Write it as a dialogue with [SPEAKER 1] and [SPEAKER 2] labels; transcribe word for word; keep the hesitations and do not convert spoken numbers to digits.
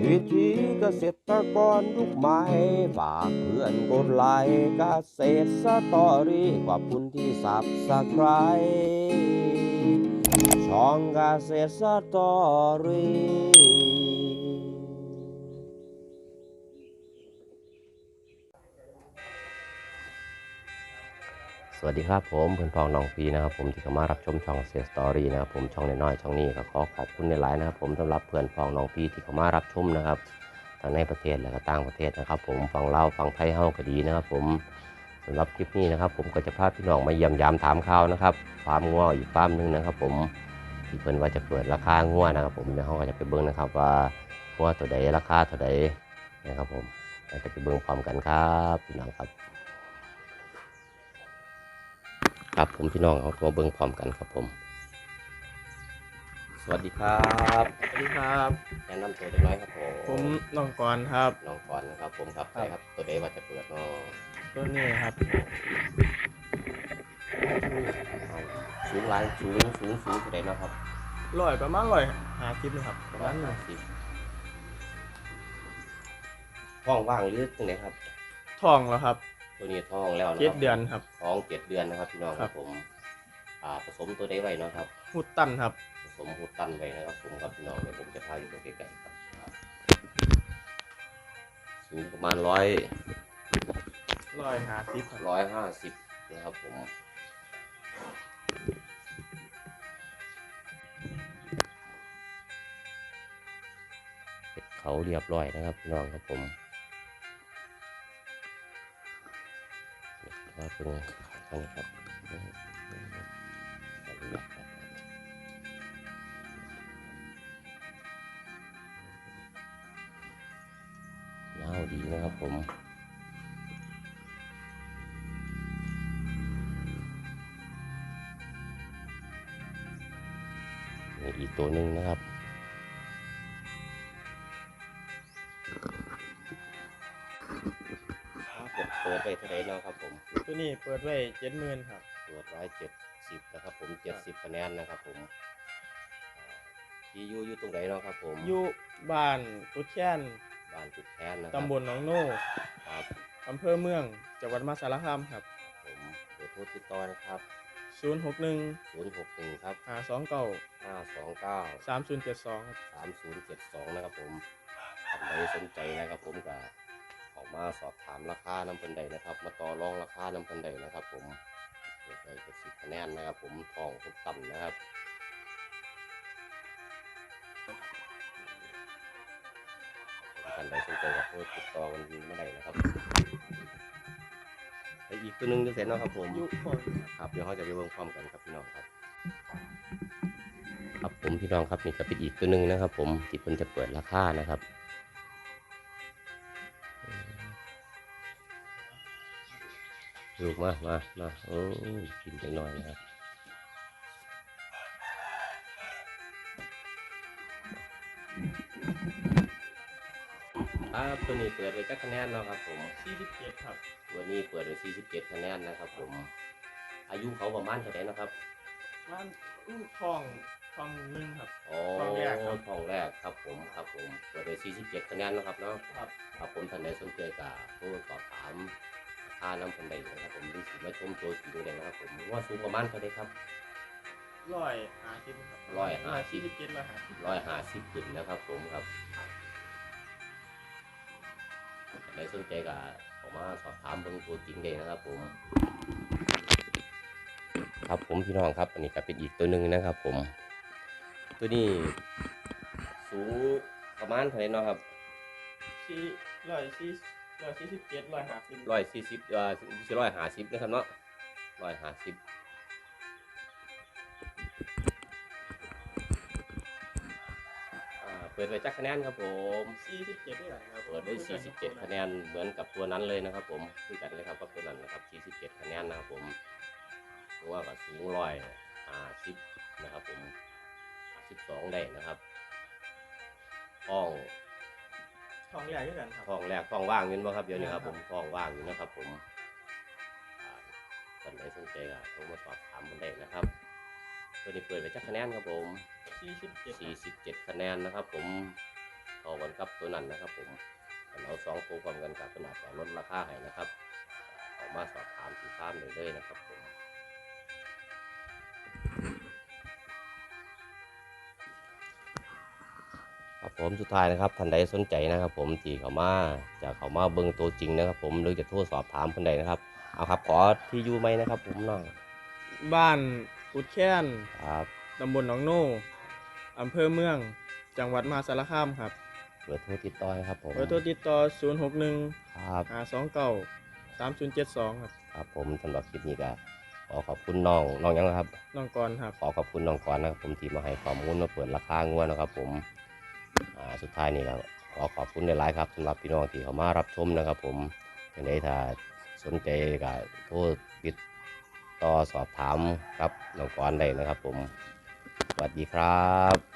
[SPEAKER 1] วิธีเกษตรกรยุคใหม่ฝากเพื่อนกดไลค์เกษตรสตอรี่ขอบคุณที่สับสไครช่องเกษตรสตอรี่สวัสดีครับผมเพื่อนพ้องน้องพีนะครับผมที่เข้ามารับชมช่องเกษตรสตอรี่นะครับผมช่องน้อยๆช่องนี้ก็ขอขอบคุณในไลน์นะครับผมสำหรับเพื่อนพ้องน้องพีที่เข้ามารับชมนะครับทั้งในประเทศและก็ต่างประเทศนะครับผมฟังเล่าฟังไทยเฮาก็ดีนะครับผมสำหรับคลิปนี้นะครับผมก็จะพาพี่น้องมาเยี่ยมยามถามข่าวนะครับฟาร์มงัวอีกฟาร์มหนึ่งนะครับผมที่เพิ่นว่าจะเปิดราคางัวนะครับผมเดี๋ยวเราก็จะไปเบิ่งนะครับว่างัวตัวใดราคาเท่าใดนะครับผมเราจะไปเบิ่งพร้อมกันครับพี่น้องครับครับผมพี่น้องเอาตัวเบิ่งพร้อมกันครับผมสวัสดีครับ
[SPEAKER 2] สวัสดีครับ
[SPEAKER 1] แนะนำตัวเล็กน้อยครับผม
[SPEAKER 2] ผมน้องกรครับ
[SPEAKER 1] น้องก่อนนะครับผมครับใช่ครับตัวใดว่าจะเปิดเนาะ
[SPEAKER 2] ตัวนี้ครับ
[SPEAKER 1] สูงหลายสูงสูงสูงตัวใดเนาะครับ
[SPEAKER 2] ร้อยประมาณร้อยหาคลิปนะครับประมาณนั้น
[SPEAKER 1] สิบท้องว่างหรือตัวไหนครับ
[SPEAKER 2] ทองแล้วครับ
[SPEAKER 1] ตัวนี้ท้องแล้วนะค
[SPEAKER 2] เจ็ด
[SPEAKER 1] รับ
[SPEAKER 2] เดือนครับ
[SPEAKER 1] ท้องเจ็ดเดือนนะครับพี่น้องครับผมอ่าผสมตัวใดไว้เนาะครับ
[SPEAKER 2] หุดตันครับ
[SPEAKER 1] ผสมหูตันไว้นะครับผมครับพี่น้องเดี๋ยวผมจะพาอยู่ตรงใกล้ๆครับสูงประมาณร้อย
[SPEAKER 2] ร้อยหาคลิป
[SPEAKER 1] ร้อยห้าสิบนะครับผมเขาเรียบร้อยนะครับพี่น้องครับผมว่าเป็นทางครับยาวดีนะครับผมนี่อีกตัวหนึ่งนะครับเปิดไปเท่าไหร่แล้วครับผม
[SPEAKER 2] ตัวนี้เปิดไว้เจ็ดหมื่นครับ
[SPEAKER 1] เปิดไว้เจ็ดสิบนะครับผมเจ็ดสิบคะแนนนะครับผมที่อยู่อยู่ตรงไหนเนาะครับผม
[SPEAKER 2] อยู่บ้านกุดแค้น
[SPEAKER 1] บ้านกุดแค้นนะ
[SPEAKER 2] ตำบลหนองโน่
[SPEAKER 1] ครับ
[SPEAKER 2] อำเภอเมืองจังหวัดมหาสารคามครับ
[SPEAKER 1] ผมเบอร์โทรติดต่อนะครับ
[SPEAKER 2] ศูนย์หกหนึ่ง
[SPEAKER 1] ศูนย์หกหนึ่งครับ
[SPEAKER 2] หาสองเก้า
[SPEAKER 1] ห้าสองเก้า
[SPEAKER 2] สามศูนย์เจ็ดสองครับ
[SPEAKER 1] สามศูนย์เจ็ดสองนะครับผมท่านใดสนใจนะครับผมก็ออกมาสอบถามราคาน้ำเพิ่นใดนะครับมาต่อรองราคาน้ำเพิ่นใดนะครับผมเปิดไปเจ็ดสิบคะแนนนะครับผมทองทุกต่ำนะครับท่านใดสนใจก็โทรติดต่อกันมาได้นะครับแต่อีกตัวหนึ่งจะเสร็จแล้วครับผมครับเดี๋ยวเขาจะไปเบิ่งพร้อมกันครับพี่น้องครับครับผมพี่น้องครับนี่จะเป็นอีกตัวหนึ่งนะครับผมที่เพิ่นจะเปิดราคานะครับลูกมามามาโอ้กินไปหน่อยนะครับครับตัวนี้เปิดไว้จักคะแนนเนาะครับผม
[SPEAKER 2] สี่สิบเจ็ดครับ
[SPEAKER 1] ตัวนี้เปิดไว้สี่สิบเจ็ดคะแนนนะครับผมอายุเขาประมาณเท่าไหร่นะครับ
[SPEAKER 2] มันอู้ทองทองหนึ่งครับ
[SPEAKER 1] อ๋อทองแรกครับทองแรกครับผมครับผมเปิดไว้สี่สิบเจ็ดคะแนนนะครับเนาะ
[SPEAKER 2] ครับ
[SPEAKER 1] ครับผมท่านใดสนใจก็โทรสอบถามค่าน้ำคนใดนะครับผมหรือสิมาชมตัวจริงเลยนะครับผมว่าสูงประมาณเท่าไหร่ครับ
[SPEAKER 2] ร้อยหาคลิปครับ
[SPEAKER 1] ร้อยห้าสิบ
[SPEAKER 2] สี่สิบเจ็ดร้อยหาสิบ
[SPEAKER 1] ร้อยห้าสิบขึ้นนะครับผมครับใครสนใจก็ออกมาสอบถามเบิ่งตัวจริงได้นะครับผมครับผมพี่น้องครับอันนี้ก็เป็นอีกตัวหนึ่งนะครับผมตัวนี้สูงประมาณเท่าไหร่เนาะครับ
[SPEAKER 2] สี่ร้อยสี่ร้อยสี่สิบเจ็ดร้อยห้าสิบ
[SPEAKER 1] ร้อยสี่สิบเอ่อสี่ร้อยห้าสิบนะครับเนาะร้อยห้าสิบเปิดไว้จักคะแนนครับผม
[SPEAKER 2] สี่สิบเจ็ดได้ไหมครับ
[SPEAKER 1] เปิดไว้สี่สิบเจ็ดคะแนนเหมือนกับตัวนั้นเลยนะครับผมคือกันเลยครับกับตัวนั้นนะครับสี่สิบเจ็ดคะแนนนะครับผมเพราะว่าก็สูงร้อยห้าสิบนะครับผมห้าสิบสองได้นะครับท้อง
[SPEAKER 2] ท้องแรกด้วยกันครับ
[SPEAKER 1] ท้องแรกท้องว่างอยู่มั้งครับเดี๋ยวนี้ครับผมท้องว่างอยู่นะครับผมท่านใดสนใจก็โทรมาสอบถามกันได้นะครับตัวนี้เปิดไว้จักคะแนนครับผม
[SPEAKER 2] สี่สิบเจ็ด
[SPEAKER 1] สี่สิบเจ็ดคะแนนนะครับผมพอกันกับตัวนั้นนะครับผมเราสองตัวพร้อมกันกับขนาดจะลดราคาให้นะครับออกมาสอบถามสีฟ้ามเลยเลยนะครับผมครับผมสุดท้ายนะครับท่านใดสนใจนะครับผมที่เขามาจะเขามาเบิ่งตัวจริงนะครับผมหรือจะโทรสอบถามคนใดนะครับเอาครับขอที่อยู่ไหมนะครับผมเนาะ
[SPEAKER 2] บ้านกุดแค้น
[SPEAKER 1] ครับ
[SPEAKER 2] ตำบลหนองโน่อำเภอเมืองจังหวัดมหาสารคามครับ
[SPEAKER 1] เบอร์โทรติดต่อครับผม
[SPEAKER 2] เบอร์โทรติดต่อศูนย์ หก หนึ่ง
[SPEAKER 1] ครับ
[SPEAKER 2] ห้า สอง เก้า สาม ศูนย์ เจ็ด สอง ครับ
[SPEAKER 1] ครับผมสำหรับคลิปนี้ก็ขอขอบคุณน้องน้องยังนะครับ
[SPEAKER 2] น้องกรครับ
[SPEAKER 1] ขอขอบคุณน้องกรนะครับผมที่มาให้ข้อมูลมาเปิดราคางวดนะครับผมอ่าสุดท้ายนี่ก็ขอขอบคุณในหลายๆครับสำหรับพี่น้องที่เขามารับชมนะครับผมยังไงถ้าสนใจก็โทรติดต่อสอบถามครับน้องกรได้นะครับผมสวัสดีครับ